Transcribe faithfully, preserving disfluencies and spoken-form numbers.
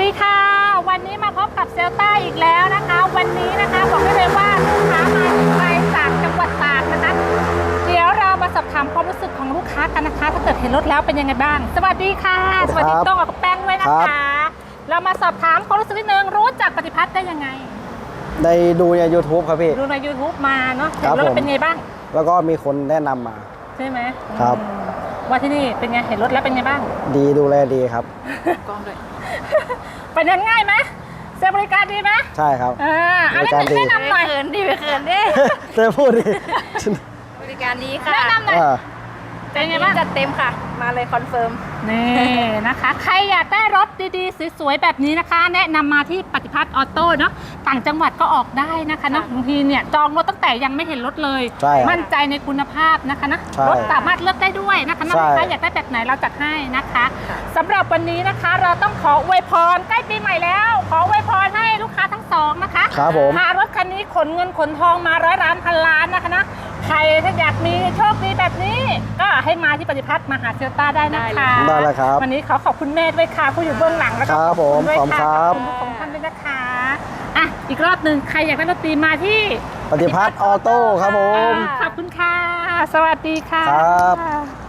ดีค่ะวันนี้มาพบกับเซลต้าอีกแล้วนะคะวันนี้นะคะบอกได้เลยว่าลูกค้ามาไกลจากจังหวัดตากนะคะเดี๋ยวเรามาสอบถามความรู้สึกของลูกค้ากันนะคะถ้าเกิดเห็นรถแล้วเป็นยังไงบ้างสวัสดีค่ะสวัสดีต้องกับแป้งด้วยนะคะเรามาสอบถามความรู้สึกนิดนึงรู้จักปฏิพัฒน์ได้ยังไงได้ดูใน ยูทูบ ครับพี่ดูใน ยูทูบ มาเนาะเห็นรถเป็นไงบ้างแล้วก็มีคนแนะนำมาใช่ไหมครับว่าที่นี่เป็นไงเห็นรถแล้วเป็นไงบ้างดีดูแลดีครับกล้องด้วยไปเดินง่ายไหมเซลบริการดีไหมใช่ครับอ่าอะไรแนะนำหน่อยเขินดิไปเขินดิเธอพูดดิบริการดีค่ะแนะนำหน่อยเป็นไงบ้างจัดเต็มค่ะมาเลยคอนเฟิร์มนี่นะคะใครอยากได้รถดีๆสวยๆแบบนี้นะคะแนะนำมาที่ปฏิพัฒน์ออโต้เนาะต่างจังหวัดก็ออกได้นะคะเนาะบางทีเนี่ยจองรถตั้งแต่ยังไม่เห็นรถเลยมั่นใจในคุณภาพนะคะนะรถสามารถเลือกได้ด้วยนะคะลูกค้าอยากได้แบบไหนเราจัดให้นะคะสำหรับวันนี้นะคะเราต้องขออวยพรใกล้ปีใหม่แล้วขออวยพรให้ลูกค้าทั้งสองนะคะพารถคันนี้ขนเงินขนทองมาร้อยล้านพันล้านนะคะนะใครถ้าอยากมีโชคดีแบบนี้ก็ให้มาที่ปฏิพัฒน์มาหาเซลต้าได้นะคะได้เลยครับวันนี้ขอขอบคุณแม่ด้วยค่ะผู้อยู่เบื้องหลังแล้วก็ขอบคุณด้วยค่ะขอบคุณทุกท่านด้วยนะคะอ่ะอีกรอบหนึ่งใครอยากได้รถตีมาที่ปฏิพัฒน์ออโต้ครับผมขอบคุณค่ะสวัสดีค่ะครับ